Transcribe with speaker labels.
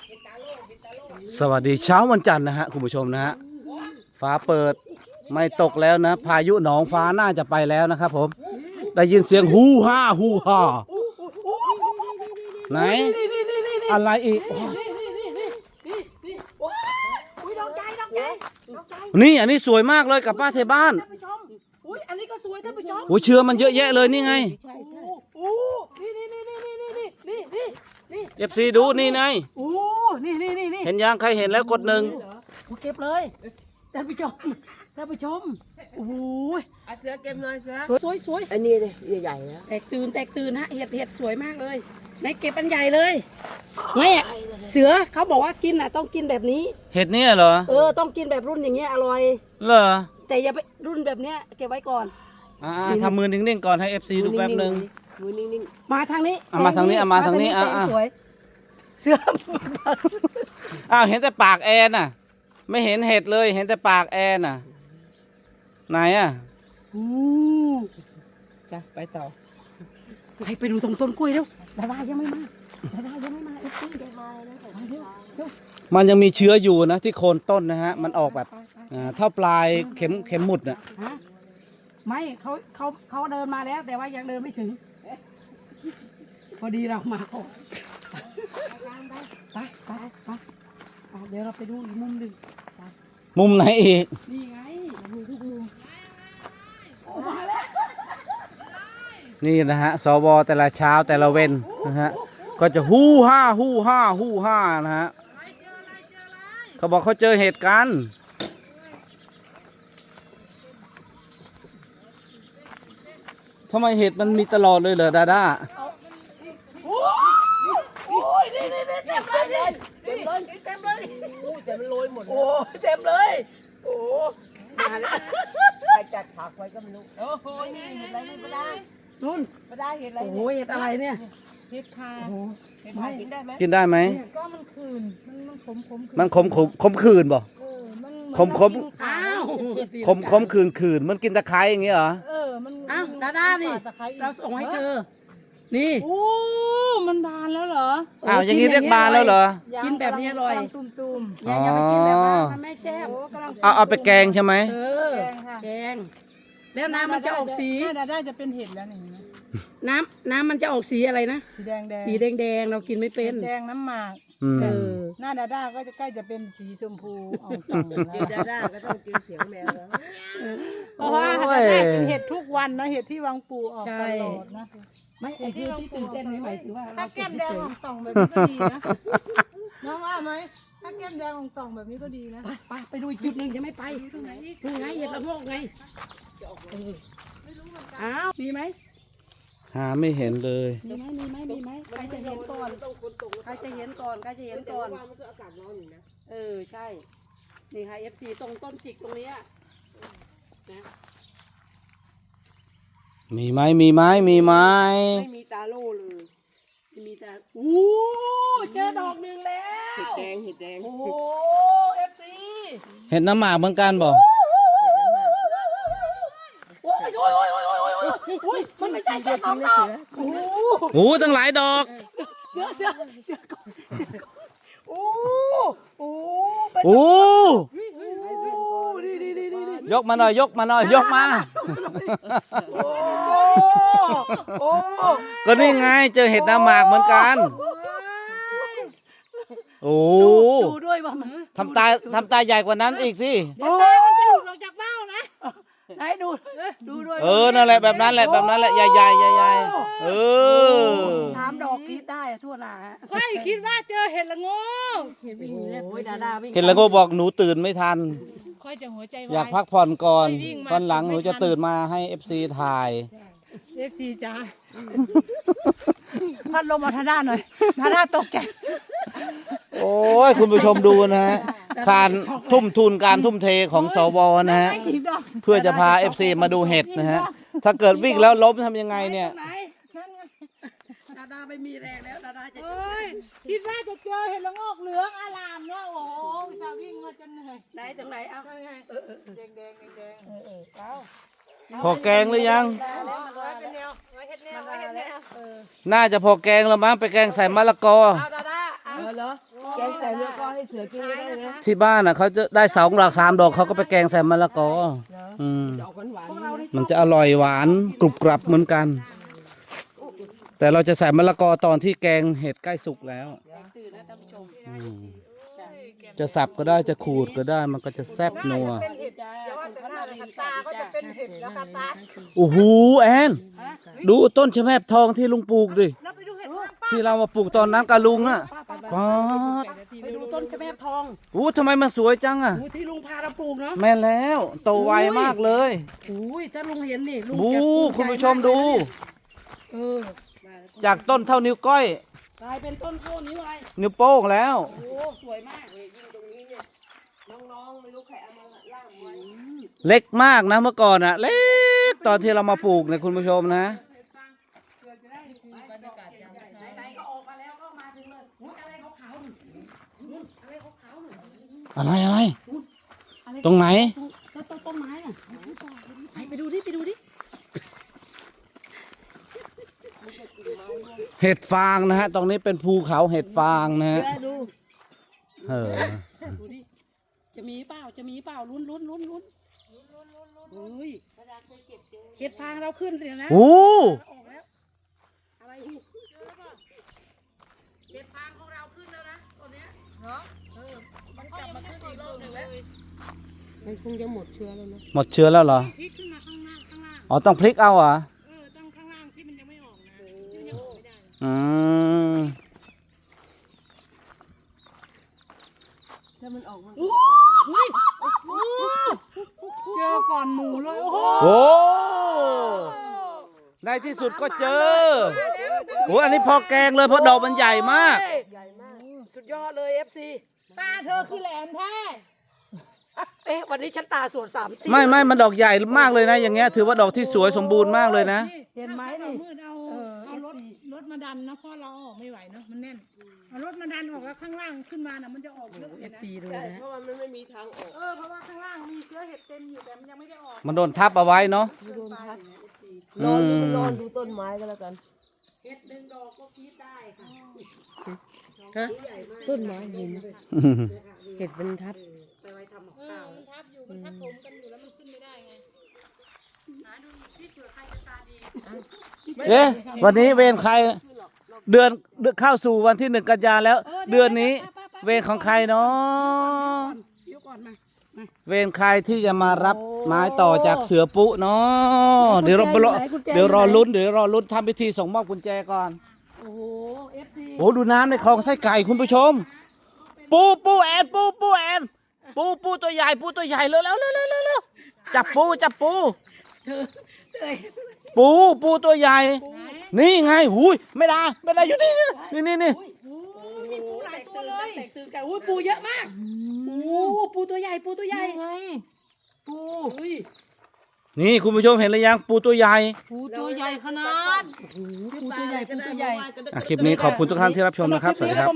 Speaker 1: สวัสดีเช้าวันจันทร์นะฮะคุณผู้ชมนะฮะฟ้าเปิดไม่ตกแล้วนะพายุหนองฟ้าน่าจะไปแล้วนะครับผมได้ยินเสียงฮูฮ่าฮูฮ่าไหนอะไรอีกนี่อันนี้สวยมากเลยกับป้าเทบ้าน
Speaker 2: อันนี้ก็สวยท่านผู้ชม
Speaker 1: โอ้เชื้อมันเยอะแยะเลยนี่ไง
Speaker 2: โอ้นี่
Speaker 1: เอฟซีดูนี่ไง
Speaker 2: โอ้นี่
Speaker 1: เห็นยังใครเห็นแล้วกดหนึ่ง
Speaker 2: เก็บเลยท่านผู้ชมโอ้ย
Speaker 3: เสือเก็บหน่อยเสือ
Speaker 2: สวย
Speaker 3: อันนี้เลยใหญ่ๆนะ
Speaker 2: แตกตื่นฮะเห็ดสวยมากเลยไหนเก็บอันใหญ่เลยไม่อะเสือเขาบอกว่ากินอ่ะต้องกินแบบนี้
Speaker 1: เห็ดเนี่ยเหรอ
Speaker 2: ต้องกินแบบรุ่นอย่างเงี้ยอร่อย
Speaker 1: เหรอ
Speaker 2: แต่อย่าไปรุ่นแบบเนี้ยเก็บไว้ก่อน
Speaker 1: ทำมือนิ่งๆก่อนให้เอฟซีดูแป๊บหนึ่ง
Speaker 3: มือนิ่ง
Speaker 2: มาทางนี้
Speaker 1: มาทางนี้มาทางนี้
Speaker 2: แสสวยเสือ
Speaker 1: อ้าวเห็นแต่ปากแอนน่ะ ไม่เห็นเห็ดเลยเห็นแต่ปากแอนน่ะไหนอ่ะ
Speaker 3: จ้ะไปต่อ
Speaker 2: ไปดูตรงต้นกล้วยเร็วดารายังไม่มาเอฟซี
Speaker 1: มันยังมีเชื้ออยู่นะที่โคนต้นนะฮะมันออกแบบเท่าปลายเข็มหมุดน่ะ
Speaker 2: ไม่เขาเดินมาแล้ว แต่ว่ายังเดินไม่ถึง พอดีเรามาก่อนไปเดี๋ยวเราไปดูอีกมุมหนึ่ง
Speaker 1: มุมไหนอีก
Speaker 2: นี่ไงดูทุกมุมโอ้มาแล้ว
Speaker 1: นี่นะฮะสวแต่ละเช้าแต่ละเว้นนะฮะก็จะฮู้ฮ่านะฮะเขาบอกเขาเจอเหตุการณ์ทำไมเห็ดมันมีตลอดเลยเหรอดาด้า
Speaker 2: โอ้ยนี่เต็มเลย
Speaker 3: แต่มันโรยหมด
Speaker 2: โอ้เต็มเลยโอ้
Speaker 3: มาแล้วใครจัดฉากไว้ก็ไม่รู้โอ้โหนี่เห็นอะไรนี่ไม่ได้
Speaker 2: นุ่น
Speaker 3: ไม่ได้เห็นอะไร
Speaker 2: โอ้เห็ดอะไรเนี่ย
Speaker 3: เห็ดคา
Speaker 2: โอ้
Speaker 3: เห็ดคากินได้ไหม
Speaker 1: กินได้ไหม
Speaker 4: ก็มันคืนมันขม
Speaker 1: มันขมคืนบ่
Speaker 4: มัน
Speaker 1: ขม
Speaker 2: อ้าว
Speaker 1: คืนมันกินตะไคร้อย่างเงี้ยเหรอ
Speaker 4: มัน
Speaker 2: อ้าวดาด้านี่เราส่งให้เธอนี่
Speaker 4: โอ้มันบานแล้วเหรอ
Speaker 1: อ้าวอย่างนี้เรียกบานแล้วเหรอ
Speaker 2: กินแบบนี้อร่อย
Speaker 4: ตุ่ม
Speaker 2: อย่าไปกินแบบว่ามันไม่แซ่บ
Speaker 1: เอาไปแกงใช่ไหม
Speaker 2: เออแกงแล้วน้ำมันจะออกสี
Speaker 4: น่าได้จะเป็นเห็ดแล้วนี่นะ
Speaker 2: น้ำมันจะออกสีอะไรนะ
Speaker 4: สีแดง
Speaker 2: สีแดงเรากินไม่เป็น
Speaker 4: แดงน้ำหมาก
Speaker 1: อืม
Speaker 2: เออ
Speaker 4: หน้าดาก็จะใกล้จะเป็นสีชมพูออกต่าง
Speaker 3: เจอดาด้าก็ต้องเจอเสียงแมวแล้ว
Speaker 4: เพราะว่าดาด้ากินเห็ดทุกวันนะเห็ดที่วังปูออกตลอดนะ
Speaker 2: ไม่ไอ้ที่ตื่นเต้นไม่หมายถึงว่า
Speaker 4: ถ้าแก้มแดงออกต่องแบบนี้ก็ดีนะน้องว่าไหมถ้าแก้มแดงออกต่องแบบนี้ก็ดีนะ
Speaker 2: ไปดูอีกจุดหนึ่งยังไม่ไปนี่ไงเห็ดละโงกไงอ้าวมีไหม
Speaker 1: หาไม่เห็นเลย
Speaker 2: มีไหมใครจะเห็นก่อนใครจะเห็นก่อน
Speaker 3: แต่ว่ามันก็อากาศร้อนอยู่นะ
Speaker 2: ใช่นี่ค่ะ FC ตรงต้นจิกตรงนี้นะ
Speaker 1: มีไหมมีไหมมีไหม
Speaker 2: ไม่มีตาโล่เลยไม่มีตาอู้เจอดอกหนึ่งแล้ว
Speaker 3: เห็ดแดง
Speaker 2: โอ้ FC
Speaker 1: เห็นน้ำหมากเหมือนกันบ่
Speaker 2: โอ้ยมันไม่ใช่แค่สองดอกโอ้
Speaker 1: โอ้ตั้งหลายดอก
Speaker 2: เสือก่อนโอ้โอ้
Speaker 1: โอ้
Speaker 2: ดี
Speaker 1: ยกมาหน่อยยกมา
Speaker 2: โอ้
Speaker 1: ก็นี่ไงเจอเห็ดน้ำหมากเหมือนกันโอ้
Speaker 2: ดูด้วยว่ามัน
Speaker 1: ทำตาใหญ่กว่านั้นอีกสิ
Speaker 2: โอ้
Speaker 4: ลงจากเบ้านะ
Speaker 2: ให้ดูด้วย
Speaker 1: นั่นแหละแบบนั้นแหละใหญ่เออ
Speaker 2: 3 ดอกกรีดได้ทั่วหน้า
Speaker 4: ค่อยคิดว่าเจอเห็ดละโงก
Speaker 2: โอ้ยดาวิ่ง
Speaker 1: เห็นแล้วก็บอกหนูตื่นไม่ทัน
Speaker 4: ค่อยจะหัวใจ
Speaker 1: อยาก
Speaker 4: วาย
Speaker 1: พักผ่อนก่อน
Speaker 4: ไม่วิ่งมา
Speaker 1: วันหลังหนูจะตื่นมาให้ FC ถ่าย
Speaker 4: FC จ้าพัดลมมาทาด้าหน่อยทาด้าตกใจ
Speaker 1: โอ้ยคุณผู้ชมดูนะฮะการทุ่มทุนการทุ่มเทของสวนะฮะ
Speaker 4: กี่ดอก
Speaker 1: เพื่อจะพา FC มาดูเห็ดนะฮะถ้าเกิดวิ่งแล้วล้มทำยังไงเนี่ย
Speaker 2: ไหนดาไม่มีแรงแล้วดาจะ
Speaker 4: เอ้ยคิดว่าจะเจอเห็ดละโงกเหลืองอลามเนาะโอ้โหจะวิ่งมาจนเหนื่อย
Speaker 2: ไหนตรงไหนเอา
Speaker 4: แดงเอา
Speaker 1: พอแกงหรือยัง
Speaker 4: แล้วมันไว้เป็นแนวไว้เห็ดแนวไว้เห็ดแนว
Speaker 1: น่าจะพอแกงแล้วมั้งไปแกงใส่มะละกอ
Speaker 2: เอาดา
Speaker 3: เหรอแกงใส่แล้วก็ให้เสือกินก็ได้นะ
Speaker 1: ที่บ้านน่ะเขาจะได้2 ดอก 3 ดอกเขาก็ไปแกงใส่มะละกออืม
Speaker 3: จะออกหวาน
Speaker 2: พวกเรานี่
Speaker 1: มันจะอร่อยหวานกรุบกรับเหมือนกัน แต่เราจะใส่มะละกอตอนที่แกงเห็ดใกล้สุกแล้ว
Speaker 2: ตื่นนะท่านผู้ชม
Speaker 1: จะสับก็ได้จะขูดก็ได้มันก็จะแซ่บนัว
Speaker 4: เป็นเห็ดจ้าว่าแต่หน้าเลยตาก็จะเป็นเห็ดแล้วค่ะตา
Speaker 1: โอ้โหแอนดูต้นชะแมบทองที่ลุงปลูกดิ
Speaker 4: แล้วไปดูเห็ดข้างป้า
Speaker 1: ที่เรามาปลูกตอนนั้นกับลุงน่ะป๊าด
Speaker 2: ไปดูต้นชะแมบทอง
Speaker 1: อู้ทำไมมันสวยจังอ่ะ
Speaker 2: ที่ลุงพาเราปลูกเนาะ
Speaker 1: แม่นแล้วโตไวมากเลย
Speaker 2: อุ้ยถ้าลุงเห็นนี่ลุง
Speaker 1: บู
Speaker 2: จะภูมิใจ
Speaker 1: คุณผู้ชมดู
Speaker 2: เออ
Speaker 1: จากต้นเท่านิ้วก้อย
Speaker 2: กลายเป็นต้นเท่านิ้วอะไร
Speaker 1: นิ้วโป้งแล้ว
Speaker 2: โอ้สวยมากเลยยิ่งตรงนี้เนี่ยน้องๆไม่รู้ใครเอามาล่างไว้
Speaker 1: เล็กมากนะเมื่อก่อนอ่ะ เล็กตอนที่เรามาปลูกเนี่ยคุณผู้ชมนะ
Speaker 2: ไหนๆก็ออกมาแล้วก็มาถึงเลยอุ๊ยอะไรขาวๆหนึ่งอะไรขาวๆหนึ่ง
Speaker 1: อะไร ตรงไหน
Speaker 2: ต้นไม้อ่ะไปดูดิไปดูดิ
Speaker 1: เห็ดฟางนะฮะ ตรงนี้เป็นภูเขาเห็ดฟางนะฮะ
Speaker 2: ดู
Speaker 1: เออ
Speaker 2: ดูดิจะมีเปล่าจะมีเปล่าลุ้นอุ้ยเห็ดฟางเราขึ้นเลยนะ
Speaker 1: โอ้
Speaker 2: ออกแล้วอะไรอีกเห็ดฟางของเราขึ้นแล้วนะตอนเนี้ยมันกลับมาขึ้นอีกรอบหนึ่งแล้ว
Speaker 3: มันคงจะหมดเชื้อแล้วนะ
Speaker 1: หมดเชื้อแล้วเหรอ
Speaker 4: พลิกขึ้นมาข้างล่าง
Speaker 1: อ๋อต้องพลิกเอาเหรอ
Speaker 4: ต้องข้างล่างที่มันยังไม่ออกนะที่มันยังออกไม่ได้
Speaker 1: อืม
Speaker 3: ถ้ามันออกมัน
Speaker 4: เจอก่อนหมูเลยโอ้โห
Speaker 1: โอ้ในที่สุดก็เจอโอ้อันนี้พอแกงเลยเพราะดอกมันใหญ่มาก
Speaker 2: สุดยอดเลย FC
Speaker 4: ตาเธอคือแหลมแท้
Speaker 2: เอ๊ะวันนี้ฉันตาสวด3 ที
Speaker 1: ไม่มันดอกใหญ่มากเลยนะ อย่างเงี้ยถือว่าดอกที่สวยสมบูรณ์มากเลยนะ
Speaker 2: เห็นไหมนี่
Speaker 4: มืดเอารถมาดันนะเพราะเราออกไม่ไหวเนาะมันแน่นเอารถมาดันออกแล้วข้างล่างขึ้นมาน่ะมันจะออกเยอะเลยนะ
Speaker 2: FC เลยนะ
Speaker 3: เพราะว่ามันไม่มีทางออก
Speaker 4: เพราะว่าข้างล่างมีเชื้อเห็ดเต็มอยู่แต่มันยังไม่ได้ออก
Speaker 1: มันโดนทับเอาไว้เนาะ
Speaker 3: โดนพัด
Speaker 1: อื
Speaker 3: นอน
Speaker 1: ม
Speaker 3: ดูต้นไม้ก็แล้วกัน
Speaker 2: เห็ดหนึ่งดอกก็คิดได้ค่ะ
Speaker 3: ฮะต้นไม้หินเห็ดเป็นทับ
Speaker 2: ไปไว้ทำกับข้าว
Speaker 4: มันทับอยู่มันทับถมกันอยู่แล้วมันขึ้นไม่ได้ไงหาดูที่เผื่อใครจะตาดี
Speaker 1: เอ๊ะวันนี้เวรใคร เดือนเข้าสู่วันที่1 กันยาแล้ว เดือนนี้ เวรของใครเนาะ
Speaker 2: เดี๋ยวก่อนมา
Speaker 1: เวรใครที่จะมารับไม้ต่อจากเสือปุเนาะเดี๋ยวรอลุ้นทำพิธีส่งมอบกุญแจก่อน
Speaker 2: โอ้โห FC
Speaker 1: โอ้ดูน้ำในคลองไส้ไก่คุณผู้ชม ปูแอนปูตัวใหญ่ตัวใหญ่เร็วจับปู
Speaker 2: เธอเอ้ย
Speaker 1: ปูตัวใหญ่ นี่ไงหูยไม่ได้อยู่นี่
Speaker 2: มีปูหลายตัวเลยแตกตื่นกันอุ้ยปูเยอะมากปูตัวใหญ่ปูไงปูอุ้ย
Speaker 1: นี่คุณผู้ชมเห็นหรือยังปูตัวใหญ่
Speaker 4: ปูตัวใหญ่ขนาด
Speaker 2: ปูตัวใหญ่
Speaker 1: คลิปนี้ขอบคุณทุกท่านที่รับชมนะครับสวัสดีครับ